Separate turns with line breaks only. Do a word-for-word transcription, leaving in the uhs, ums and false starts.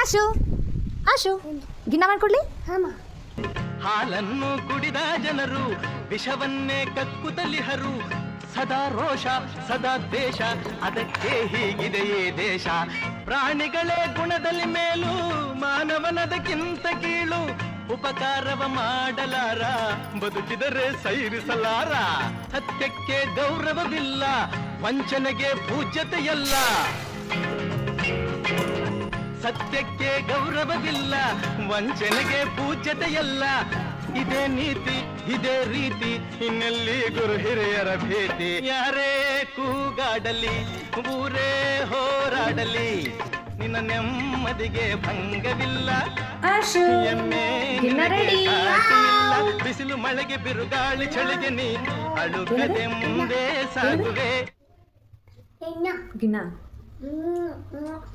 ಆಶು ಆಶು ಗಿನ್ನ ಮಾಡ್ಕೊಡ್ಲಿ.
ಹಾಲನ್ನು ಕುಡಿದ ಜನರು ವಿಷವನ್ನೇ ಕಕ್ಕುತ್ತಲಿಹರು. ಸದಾ ರೋಷ ಸದಾ ದ್ವೇಷ, ಅದಕ್ಕೆ ಹೀಗಿದೆಯೇ ದೇಶ. ಪ್ರಾಣಿಗಳೇ ಗುಣದಲ್ಲಿ ಮೇಲು, ಮಾನವನದಕ್ಕಿಂತ ಕೀಳು. ಉಪಕಾರವ ಮಾಡಲಾರ, ಬದುಕಿದರೆ ಸೈರಿಸಲಾರ. ಸತ್ಯಕ್ಕೆ ಗೌರವವಿಲ್ಲ, ವಂಚನೆಗೆ ಪೂಜ್ಯತೆಯಲ್ಲ. ಸತ್ಯಕ್ಕೆ ಗೌರವವಿಲ್ಲ, ವಂಚನೆಗೆ ಪೂಜ್ಯತೆಯಲ್ಲ. ಇದೇ ನೀತಿ ಇದೇ ರೀತಿ, ಇನ್ನೆಲ್ಲಿ ಗುರು ಹಿರಿಯರ ಭೇಟಿ. ಯಾರೇ ಕೂಗಾಡಲಿ ಊರೇ ಹೋರಾಡಲಿ, ನಿನ್ನ ನೆಮ್ಮದಿಗೆ ಭಂಗವಿಲ್ಲ. ಎಮ್ಮೆ ನಿನಗೆ ಸಾಟಿಯಿಲ್ಲ. ಬಿಸಿಲು ಮಳೆಗೆ ಬಿರುಗಾಳಿ ಚಳಿಗೆ ನೀ ಅಳುಕದೆ ಮುಂದೆ ಸಾಗುವೆ.
ಗಿನ್ನ